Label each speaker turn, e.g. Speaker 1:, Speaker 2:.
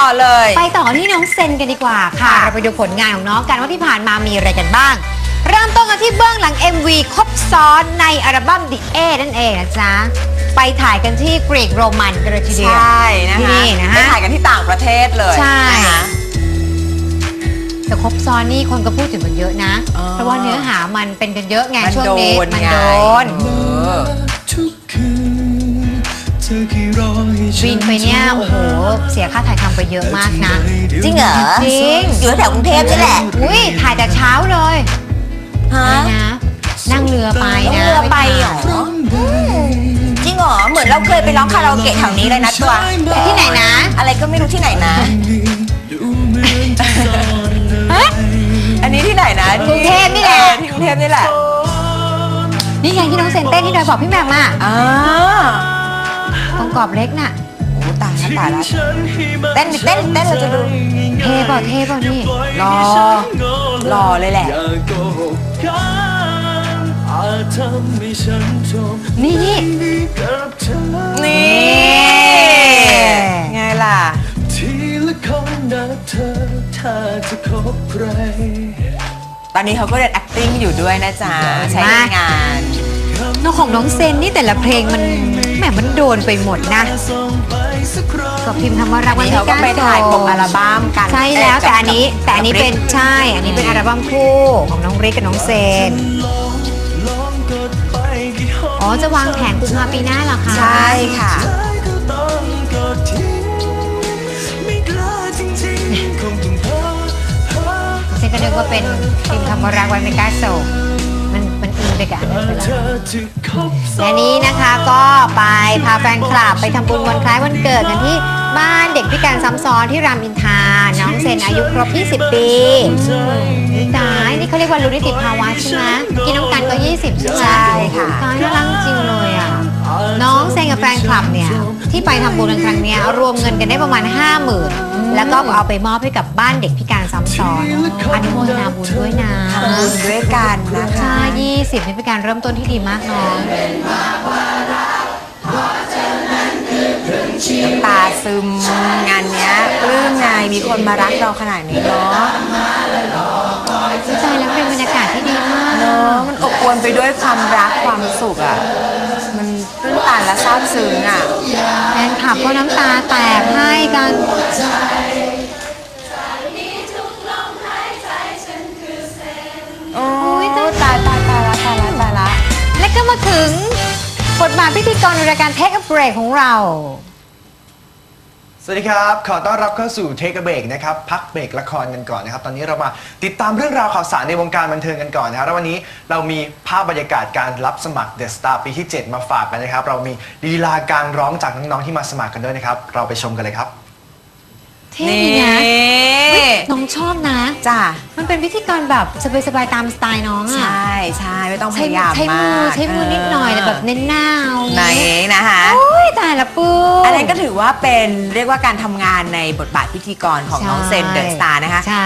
Speaker 1: เลย
Speaker 2: ไปต่อที่น้องเซนกันดีกว่าค่ะเราไปดูผลงานของน้องกันว่าที่ผ่านมามีอะไรกันบ้างเริ่มต้นกันที่เบื้องหลัง MV ครบซ้อนในอัลบั้ม The A นั่นเองนะจ๊ะไปถ่ายกันที่กรีกโรมันกันเลยทีเดียว
Speaker 1: ใช่นะคะ
Speaker 2: นี่นะ
Speaker 1: ไป
Speaker 2: ฮะ
Speaker 1: ถ่ายกันที่ต่างประเทศเลย
Speaker 2: ใช่
Speaker 1: นะคะ
Speaker 2: แต่ครบซ้อนนี่คนก็พูดถึงกันเยอะนะ เพราะว่าเนื้อหามันเป็นกันเยอะไงช่วงนี้มันโดนบินไปเนี่ยโอ้โหเสียค่าถ่ายทำไปเยอะมากนะ
Speaker 1: จริงเหรอ
Speaker 2: จริง
Speaker 1: อยู่แถวกรุงเทพนี่แหละ
Speaker 2: อุ้ยถ่ายแต่เช้าเลย
Speaker 1: ฮะ
Speaker 2: นะนั่งเรือไปนะ
Speaker 1: เรือไปเหรอจริงเหรอเหมือนเราเคยไปร้องคาราโอเกะแถวนี้เลยนะตัว
Speaker 2: ที่ไหนนะ
Speaker 1: อะไรก็ไม่รู้ที่ไหนนะ อันนี้ที่ไหนนะ
Speaker 2: กรุงเทพนี่แหละ
Speaker 1: ที่กรุงเทพนี่แหละ
Speaker 2: นี่ไงที่น้องเซนเต้นที่ดอยบอกพี่แหม่มอ่ะ
Speaker 1: อ่า
Speaker 2: ตรงกรอบเล็กน่ะ
Speaker 1: โอ้ตายแล้วตายแล้วเต้นเราจะดู
Speaker 2: เท่เปล่านี่
Speaker 1: รอเลยแหละ
Speaker 2: นี่
Speaker 1: นี่ไงล่ะตอนนี้เขาก็เรียน acting อยู่ด้วยนะจ๊ะใช้ในงาน
Speaker 2: น้องของน้องเซนนี่แต่ละเพลงมันแหมมันโดนไปหมดนะกับพิมพ์ธรรมรักษ์วัน
Speaker 1: นี่
Speaker 2: ที่
Speaker 1: เขาก็ไปถ่ายปกอัลบั้มกัน
Speaker 2: ใช่แล้วแต่อันนี้เป็นใช่อันนี้เป็นอัลบั้มคู่ของน้องริกกับน้องเซนอ๋อจะวางแผนกุมภาปีหน้าเหรอคะ
Speaker 1: ใช่ค่ะ
Speaker 2: เซนก็นึกว่าเป็นพิมพ์ธรรมรักษ์วันเมกาโซมันอินไปกับอันนั้นไปแล้วและนี้นะคะก็ไปพาแฟนคลับไปทำบุญวันคล้ายวันเกิดกันที่บ้านเด็กพิการซ้ำซ้อนที่รามอินทราน้องเซนอายุครบ 20 ปีตายนี่เขาเรียกว่ารู้นิติภาวะใช่ไหมกินน้ำกันก็ 20 ใช่ไหม
Speaker 1: ใช่ค่ะ
Speaker 2: ตายน่ารักจริงเลยอ่ะน้องเซนกับแฟนคลับเนี่ยที่ไปทำบุญกันครั้งเนี้ยรวมเงินกันได้ประมาณ 50,000แล้วก็เอาไปมอบให้กับบ้านเด็กพิการซ้ำซ้อนอนุโมทนาบุญด้วยนะ
Speaker 1: ทำบุญด้วยกันนะคะ
Speaker 2: ใช่20นี่เป็นการเริ่มต้นที่ดีมากน้อง
Speaker 1: น้ำตาซึมงานเนี้ยปลื้มไงมีคนมารักเราขนาดนี้เนาะ
Speaker 2: ใจแล้วเป็นบรรยากาศที่ดีมาก
Speaker 1: เนาะมันอบอวลไปด้วยความรักความสุขอ่ะมันตื้นตันและซาบซึ้งอ่ะ
Speaker 2: แฟนคลับก็น้ำตาแตกให้กัน
Speaker 1: โอ้ยตายละ
Speaker 2: และก็มาถึงบทบาทพิธีกรในรายการ Take a Break ของเรา
Speaker 3: สวัสดีครับ ขอต้อนรับเข้าสู่ Take a Break นะครับ พักเบรกละครกันก่อนนะครับ ตอนนี้เรามาติดตามเรื่องราวข่าวสารในวงการบันเทิงกันก่อนนะครับ แล้ววันนี้เรามีภาพบรรยากาศการรับสมัคร The Star ปีที่ 7 มาฝากกันนะครับ เรามีลีลาการร้องจากน้องๆที่มาสมัครกันด้วยนะครับ เราไปชมกันเลยครับ
Speaker 2: เท่ดีนะเฮ้ยน้องชอบนะ
Speaker 1: จ้า
Speaker 2: มันเป็นพิธีกรแบบสบายๆตามสไตล์น้อง
Speaker 1: ใช
Speaker 2: อ่ะ
Speaker 1: ่ไม่ต้องพ
Speaker 2: ใช้
Speaker 1: ยายาม
Speaker 2: ใช้
Speaker 1: มาก
Speaker 2: ใช้มือนิดหน่อยแต่แบบเน้นหน้าเอา
Speaker 1: ไหนนะคะ
Speaker 2: โอ้ยตายละปื้ม
Speaker 1: อันนั้นก็ถือว่าเป็นเรียกว่าการทำงานในบทบาทพิธีกรของน้องเซนเดอะสตาร์นะคะ
Speaker 2: ใช่